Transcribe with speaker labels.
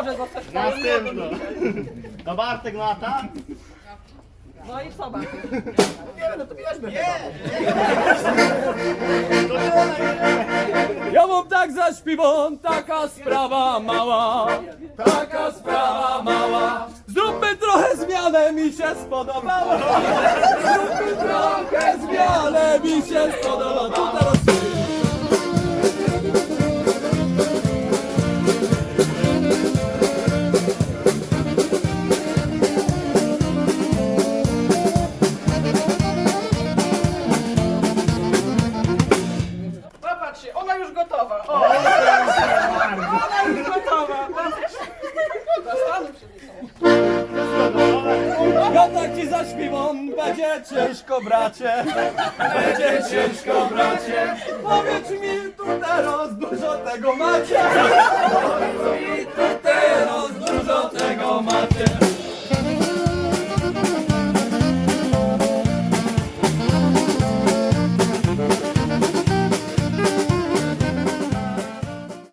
Speaker 1: może zostać
Speaker 2: Następno. To Bartek lata.
Speaker 1: No i co Bartek?
Speaker 2: No to bierzmy.
Speaker 3: Ja mam tak zaśpiewam, taka sprawa mała, taka sprawa mała. Zróbmy trochę zmianę, mi się spodobało. Zróbmy trochę zmianę, mi się spodobało. Tu teraz
Speaker 1: Popatrzcie, ona już gotowa. O, ona już gotowa. Zastanów się.
Speaker 3: ja tak ci zaśpiewam, będzie ciężko bracie, będzie ciężko bracie. Powiedz mi tu teraz, dużo tego macie. Powiedz mi tu teraz, dużo tego macie.